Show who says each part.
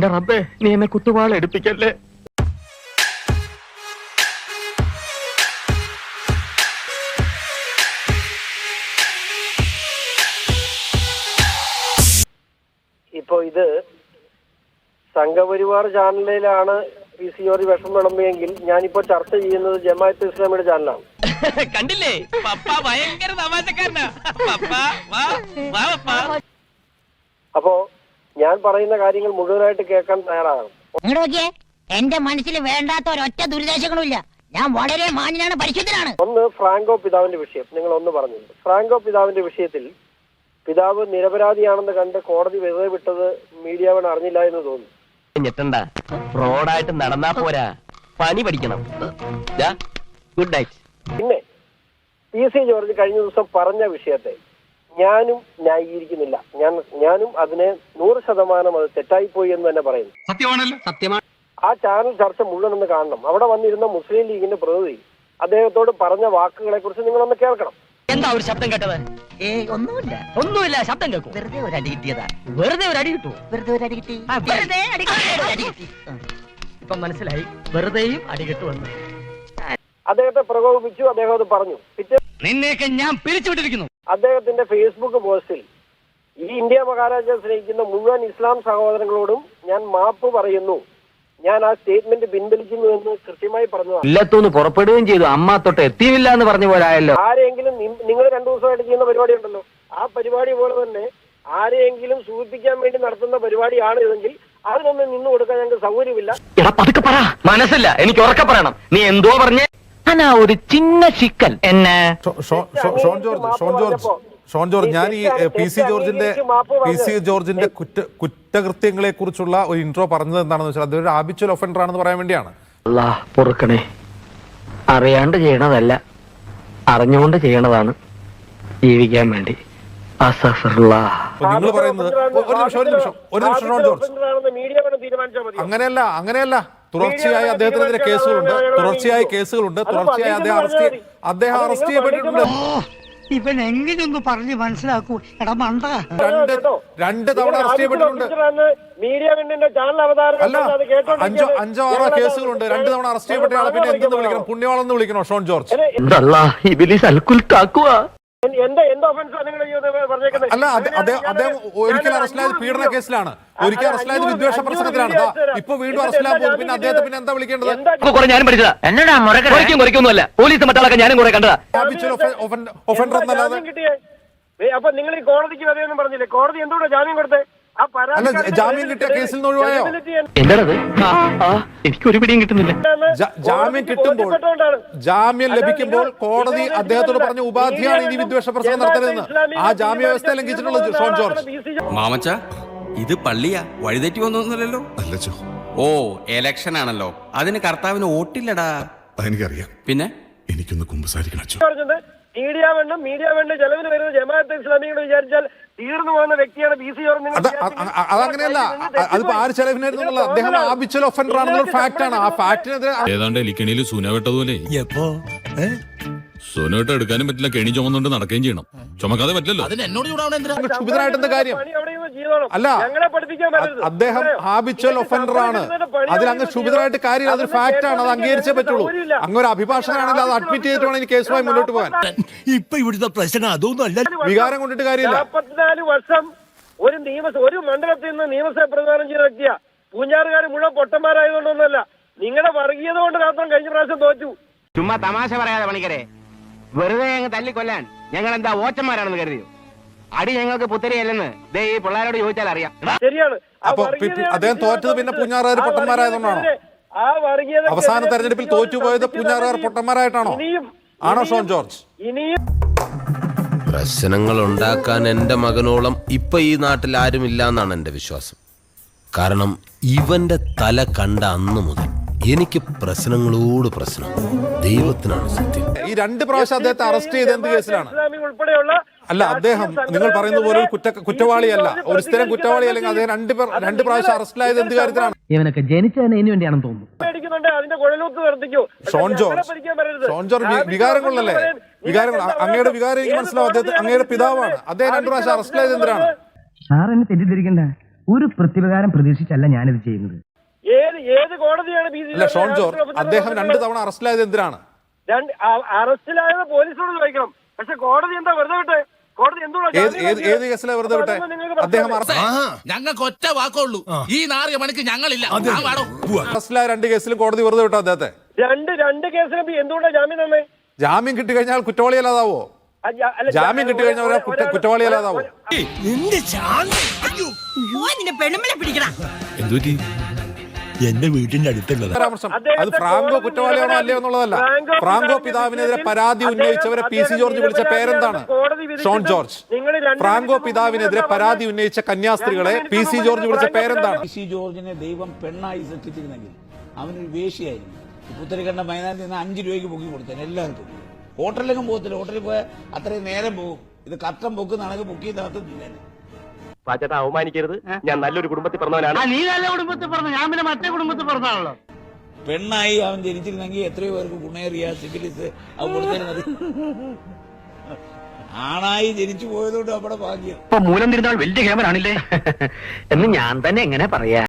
Speaker 1: എന്റെ റബ്ബേ, നീ എന്നെ കുത്തുവാള എടുപ്പിക്കല്ലേ.
Speaker 2: ഇപ്പൊ ഇത് സംഘപരിവാർ ചാനലിലാണ് PC ജോർജ് വിഷം വിളമ്പിയെങ്കിൽ ഞാനിപ്പോ ചർച്ച ചെയ്യുന്നത് ജമാഅത്തെ ഇസ്ലാമിയുടെ ചാനലാണ്.
Speaker 3: കണ്ടില്ലേ, പപ്പ ഭയങ്കര തമാശക്കാരനാ.
Speaker 2: അപ്പോ ഞാൻ പറയുന്ന കാര്യങ്ങൾ മുഴുവനായിട്ട് കേൾക്കാൻ തയ്യാറാകണം.
Speaker 4: എന്റെ മനസ്സിൽ വേണ്ടാത്ത ഒരൊറ്റ ദുരിതാശങ്ങളും ഇല്ല. ഞാൻ വളരെ മാന്യനാണ്, പരിശുദ്ധനാണ്.
Speaker 2: ഒന്ന് ഫ്രാങ്കോ പിതാവിന്റെ വിഷയം നിങ്ങൾ ഒന്ന് പറഞ്ഞിട്ടുണ്ട്. ഫ്രാങ്കോ പിതാവിന്റെ വിഷയത്തിൽ പിതാവ് നിരപരാധിയാണെന്ന് കണ്ട് കോടതി വെറുതെ വിട്ടത് മീഡിയ വൺ അറിഞ്ഞില്ല എന്ന് തോന്നുന്നു.
Speaker 3: ഞെട്ടണ്ട, റോഡായിട്ട് നടന്നാ പോരാ, പണി പഠിക്കണം. Good night.
Speaker 2: പിന്നെ PC ജോർജ് കഴിഞ്ഞ ദിവസം പറഞ്ഞ വിഷയത്തെ ഞാനും ന്യായീകരിക്കുന്നില്ല. ഞാനും അതിനെ 100% അത് തെറ്റായിപ്പോയി എന്ന് തന്നെ പറയുന്നു.
Speaker 5: സത്യമാണല്ലോ, സത്യമാണ്.
Speaker 2: ആ ചാനൽ ചർച്ച മുഴുവൻ ഒന്ന് കാണണം. അവിടെ വന്നിരുന്ന മുസ്ലിം ലീഗിന്റെ പ്രതിനിധി അദ്ദേഹത്തോട് പറഞ്ഞ വാക്കുകളെ കുറിച്ച് നിങ്ങളൊന്ന് കേൾക്കണം.
Speaker 3: എന്താ ഒരു ശബ്ദം കേട്ടത്? ഒന്നുമില്ല, ശബ്ദം കേൾക്കും. വെറുതെ ഒരു അടി കിട്ടിയതാ. വെറുതെ ഒരു അടി കിട്ടുമോ? വെറുതെ ഒരു അടി കിട്ടി. ഇപ്പൊ മനസ്സിലായി, വെറുതെയും അടി കിട്ടുമെന്ന്.
Speaker 2: അദ്ദേഹത്തെ പ്രകോപിപ്പിച്ചു, അദ്ദേഹം അത് പറഞ്ഞു.
Speaker 3: നിന്നെയൊക്കെ ഞാൻ പിരിച്ചുവിട്ടിരിക്കുന്നു.
Speaker 2: അദ്ദേഹത്തിന്റെ ഫേസ്ബുക്ക് പോസ്റ്റിൽ ഈ ഇന്ത്യ മഹാരാജ്യം സ്നേഹിക്കുന്ന മുഴുവൻ ഇസ്ലാം സഹോദരങ്ങളോടും ഞാൻ മാപ്പ് പറയുന്നു, ഞാൻ ആ സ്റ്റേറ്റ്മെന്റ് പിൻവലിക്കുന്നു എന്ന് കൃത്യമായി പറഞ്ഞു.
Speaker 1: ഇല്ലത്തൂന്ന് പുറപ്പെടുകയും ചെയ്തു. അമ്മ തൊട്ട് എത്തിയില്ല എന്ന് പറഞ്ഞു പോരായല്ലോ.
Speaker 2: ആരെങ്കിലും നിങ്ങൾ 2 ദിവസമായിട്ട് ചെയ്യുന്ന പരിപാടി ഉണ്ടല്ലോ, ആ പരിപാടി പോലെ തന്നെ ആരെയെങ്കിലും സൂചിപ്പിക്കാൻ വേണ്ടി നടത്തുന്ന പരിപാടിയാണ് ഇതെങ്കിൽ അതിനൊന്നും നിന്നു കൊടുക്കാൻ ഞങ്ങൾക്ക് സൗകര്യമില്ല.
Speaker 1: എടാ പതുക്കെ പറ, മനസ്സില്ല, എനിക്ക് ഉറക്കെ പറയണം. നീ എന്തോ പറഞ്ഞേ? ഞാനാ ഒരു ചിന്ന ചിക്കൻ എന്നെ
Speaker 6: ഷോൺ ജോർജ്, ഞാൻ ഈ PC ജോർജിന്റെ കുറ്റകൃത്യങ്ങളെ കുറിച്ചുള്ള ഒരു ഇൻട്രോ പറഞ്ഞത് എന്താണെന്ന് വെച്ചാൽ അതൊരു ഹാബിച്വൽ ഒഫൻഡർ ആണെന്ന് പറയാൻ വേണ്ടിയാണ്.
Speaker 1: അല്ലാഹ് പൊറുക്കണേ, അറിയാണ്ട് ചെയ്യണതല്ല, അറിഞ്ഞുകൊണ്ട് ചെയ്യണതാണ് ജീവിക്കാൻ വേണ്ടി.
Speaker 6: നിങ്ങൾ പറയുന്നത് ഒരു നിമിഷം ഷോൺ ജോർജ്, അങ്ങനെയല്ല. തുടർച്ചയായി അദ്ദേഹത്തിനെതിരെ കേസുകളുണ്ട്, തുടർച്ചയായി അദ്ദേഹം അറസ്റ്റ് ചെയ്യപ്പെട്ടിട്ടുണ്ട്.
Speaker 7: ഇവൻ എങ്ങനെയൊന്ന് പറഞ്ഞ് മനസ്സിലാക്കൂ, എടാ മണ്ട.
Speaker 6: 2 തവണ അറസ്റ്റ് ചെയ്യപ്പെട്ടിട്ടുണ്ട്. അല്ല, 5 6 കേസുകളുണ്ട്. 2 തവണ അറസ്റ്റ് ചെയ്യപ്പെട്ടയാളെ പിന്നെ എന്തെന്ന് വിളിക്കണം? പുണ്യവാളെന്ന് വിളിക്കണോ ഷോൺ ജോർജ്? അല്ല, അദ്ദേഹം ഒരിക്കൽ അറസ്റ്റിലായത് പീഡന കേസിലാണ്, ഒരിക്കൽ അറസ്റ്റിലായത് വിദ്വേഷ പ്രസംഗത്തിലാണ്. ഇപ്പൊ വീണ്ടും അറസ്റ്റിലാൻ പോകും. പിന്നെ അദ്ദേഹത്തെ പിന്നെ എന്താ വിളിക്കേണ്ടത്?
Speaker 1: ഞാനും പഠിച്ചതാ. എന്നോടാ പോലീസ് മറ്റാളൊക്കെ ഞാനും കുറെ കണ്ടതാ.
Speaker 6: ഒഫൻഡർ എന്നല്ലാതെ.
Speaker 2: അപ്പൊ നിങ്ങൾ ഈ കോടതിക്ക് വരെയൊന്നും പറഞ്ഞില്ലേ? കോടതി എന്തുകൊണ്ടാ ജാമ്യം കൊടുത്തേ?
Speaker 6: അല്ല, ജാമ്യം കിട്ടിയ കേസിൽ നിന്ന് ഒഴിവായോ?
Speaker 1: എന്താണത്? എനിക്കൊരു പിടിയും കിട്ടുന്നില്ല.
Speaker 6: ജാമ്യം ലഭിക്കുമ്പോൾ കോടതി അദ്ദേഹത്തോട് പറഞ്ഞ ഉപാധിയാണ് ഇനി വിദ്വേഷ പ്രസംഗം നടത്തരുതെന്ന്. ആ ജാമ്യ വ്യവസ്ഥ ലംഘിച്ചിട്ടുള്ളത് ഷോൺ ജോർജ്.
Speaker 5: മാമച്ച, ഇത് പള്ളിയാ, വഴിതെറ്റി വന്നൊന്നുമല്ലല്ലോ.
Speaker 8: അല്ലച്ചോ.
Speaker 5: ഓ, എലക്ഷൻ ആണല്ലോ, അതിന് കർത്താവിന് വോട്ടില്ലടാ.
Speaker 8: അതെനിക്കറിയാം.
Speaker 5: പിന്നെ
Speaker 8: എനിക്കൊന്ന് കുമ്പസാരിക്കണം.
Speaker 2: മീഡിയ വേണ്ട ചെലവിന് വരുന്നത് ജമാഅത്തെ ഇസ്ലാമിയോട് വിചാരിച്ചാൽ തീർന്നു പോകുന്ന വ്യക്തിയാണ് PC ജോർജ്.
Speaker 6: അതങ്ങനെയല്ല, അതിപ്പോ ആര് ചെലവിനായിരുന്നു? അദ്ദേഹം ഹാബിച്വൽ ഒഫൻഡർ ആണെന്നുള്ള ഫാക്ട് ആണ്. ആ ഫാക്ടിനെതിരെ
Speaker 9: ഏതാണ്ട് എലിക്കണിയിൽ സൂന വെട്ടതുപോലെ സോനോട്ട് എടുക്കാനും പറ്റില്ല, കെണി ചുമന്നുകൊണ്ട് നടക്കുകയും ചെയ്യണം. ചുമക്കാതെ പറ്റില്ലല്ലോ.
Speaker 6: ക്ഷുഭിതനായിട്ടെന്താ കാര്യം? അല്ല, അദ്ദേഹം ഹാബിച്വൽ ഒഫൻഡർ ആണ്. അതിലങ്ങ് ക്ഷുഭിതനായിട്ട് കാര്യം, അതൊരു ഫാക്ട് ആണ്, അത് അംഗീകരിച്ചേ പറ്റുള്ളൂ. അങ്ങൊരു അഭിഭാഷകനാണെങ്കിൽ അത് അഡ്മിറ്റ് ചെയ്തിട്ട് വേണം എനിക്ക് കേസുമായി മുന്നോട്ട് പോകാൻ.
Speaker 7: ഇപ്പൊ ഇവിടുത്തെ പ്രശ്നം അതൊന്നും അല്ല.
Speaker 6: വികാരം കൊണ്ടിട്ട് കാര്യമില്ല.
Speaker 2: 44 വർഷം ഒരു മണ്ഡലത്തിൽ നിന്ന് നിയമസഭ പ്രധാനം ചെയ്ത വ്യക്തിയാ. പൂഞ്ഞാറുകാർ മുഴുവൻ പൊട്ടന്മാരായതുകൊണ്ടൊന്നുമല്ല, നിങ്ങളുടെ വർഗീയത കൊണ്ട് മാത്രം കഴിഞ്ഞ പ്രാവശ്യം തോറ്റു.
Speaker 3: ചുമ്മാ തമാശ പറയാതെ പണിക്കരെ, വെറുതെ ഞങ്ങൾ തല്ലിക്കൊല്ലാൻ ഞങ്ങൾ എന്താ ഓച്ചന്മാരാണെന്ന് കരുതിയോ? അടി ഞങ്ങൾക്ക് പുത്തരിയല്ലെന്ന് ഈ പിള്ളേരോട് ചോദിച്ചാൽ അറിയാം.
Speaker 2: ശരിയാണ്.
Speaker 6: അപ്പൊ അദ്ദേഹം തോറ്റത് പിന്നെ പൂഞ്ഞാറുകാർ പൊട്ടന്മാരായതുകൊണ്ടാണോ? അവസാന തെരഞ്ഞെടുപ്പിൽ തോറ്റുപോയത് പൂഞ്ഞാറുകാർ പൊട്ടന്മാരായിട്ടാണോ? ആണോ ഷോൺ ജോർജ്?
Speaker 10: പ്രശ്നങ്ങൾ ഉണ്ടാക്കാൻ എന്റെ മകനോളം ഇപ്പൊ ഈ നാട്ടിൽ ആരുമില്ല എന്നാണ് എന്റെ വിശ്വാസം. കാരണം ഇവന്റെ തല കണ്ട അന്ന് മുതൽ എനിക്ക് പ്രശ്നങ്ങളോട് പ്രശ്നം. ദൈവത്തിനാണ് സത്യം.
Speaker 6: ഈ 2 പ്രാവശ്യം അദ്ദേഹത്തെ അറസ്റ്റ് ചെയ്ത് എന്ത് കേസിലാണ്? അല്ല, അദ്ദേഹം നിങ്ങൾ പറയുന്ന പോലെ കുറ്റവാളിയല്ല, ഒരു സ്ഥിരം കുറ്റവാളി അല്ലെങ്കിൽ അദ്ദേഹം 2 പ്രാവശ്യം അറസ്റ്റിലായത് എന്ത് കാര്യത്തിലാണ്?
Speaker 3: ഇവനൊക്കെ ജനിച്ചതിന് ഇതിനു വേണ്ടിയാണെന്ന് തോന്നുന്നു.
Speaker 6: ഷോൺ ജോർജ് വികാരങ്ങളല്ലേ? അങ്ങയുടെ വികാരം എനിക്ക് മനസ്സിലാവും. അദ്ദേഹം അങ്ങയുടെ പിതാവാണ്. അദ്ദേഹം 2 പ്രാവശ്യം അറസ്റ്റിലായത് എന്തിനാണ്?
Speaker 7: സാർ എന്നെ തെറ്റിദ്ധരിക്കണ്ട,
Speaker 1: ഒരു പ്രതിപകാരം പ്രതീക്ഷിച്ചല്ല ഞാനിത് ചെയ്യുന്നത്.
Speaker 2: ഏത് കോടതിയാണ്
Speaker 6: അല്ല ഷോൺ ജോർജ്, അദ്ദേഹം 2 തവണ അറസ്റ്റിലായത് എന്തിനാണ്?
Speaker 2: അറസ്റ്റിലായത് പോലീസോട് ചോദിക്കണം. പക്ഷെ കോടതി എന്താ വെറുതെ വിട്ടെ? കോടതി
Speaker 6: ഏത് കേസിലെ വെറുതെ വിട്ടെ? അദ്ദേഹം
Speaker 9: ഞങ്ങൾക്ക് ഒറ്റ വാക്കുള്ളൂ, ഈ നാറിയ മണിക്ക് ഞങ്ങളില്ല.
Speaker 6: അറസ്റ്റിലായ 2 കേസിലും കോടതി വെറുതെ വിട്ടോ അദ്ദേഹത്തെ?
Speaker 2: രണ്ട് കേസിലും എന്തുകൊണ്ടാണ് ജാമ്യം തന്നെ?
Speaker 6: ജാമ്യം കിട്ടിക്കഴിഞ്ഞാൽ കുറ്റവാളിയല്ലാതാവോ? ജാമ്യം കിട്ടിക്കഴിഞ്ഞാൽ ഒരാൾ കുറ്റവാളിയല്ലാതാവോ?
Speaker 9: എന്തുപറ്റി?
Speaker 8: എന്റെ വീട്ടിന്റെ അടുത്തുള്ളത്
Speaker 6: പരാമർശം അത് ഫ്രാങ്കോ കുറ്റവാളിയാണോ അല്ലയോ എന്നുള്ളതല്ല. ഫ്രാങ്കോ പിതാവിനെതിരെ പരാതി ഉന്നയിച്ചവരെ പി സി ജോർജ് വിളിച്ച പേരെന്താണ്? Sean George. ഫ്രാങ്കോ പിതാവിനെതിരെ പരാതി ഉന്നയിച്ച കന്യാസ്ത്രീകളെ പി സി ജോർജ് വിളിച്ച പേരെന്താണ്?
Speaker 11: പി സി ജോർജിനെ ദൈവം പെണ്ണായി സൃഷ്ടിച്ചിരുന്നെങ്കിൽ അവനൊരു വേശ്യയായിരുന്നു. പുത്തരിക്കണ്ട മൈതാനത്തിൽ നിന്ന് 5 രൂപയ്ക്ക് പൊക്കി കൊടുത്തേനെ എല്ലാവർക്കും. ഹോട്ടലിലേക്കും പോകത്തില്ല. ഹോട്ടലിൽ പോയാൽ അത്രയും നേരം പോകും. ഇത് കട്ടൻ പൊക്കുന്നതാണെങ്കിൽ പൊക്കി തകർത്തില്ലേ.
Speaker 1: പാച്ചേട്ടാ അവമാനിക്കരുത്, ഞാൻ നല്ലൊരു കുടുംബത്തിൽ പറഞ്ഞവനാണ്.
Speaker 7: നീ നല്ല കുടുംബത്തിൽ പറഞ്ഞു, ഞാൻ പിന്നെ മറ്റേ കുടുംബത്തിൽ പറഞ്ഞാണല്ലോ.
Speaker 11: പെണ്ണായി അവൻ ജനിച്ചിരുന്നെങ്കിൽ എത്രയോ പേർക്ക് ഗുണേറിയ സിഫിലിസ് അത് കൊടുത്തിരുന്നത്. ആണായി ജനിച്ചു പോയതുകൊണ്ട് അവിടെ ഭാഗ്യം.
Speaker 1: മൂലം തിരുന്നാൾ വലിയ ക്യാമറ ആണില്ലേ എന്ന് ഞാൻ തന്നെ എങ്ങനെ പറയാ.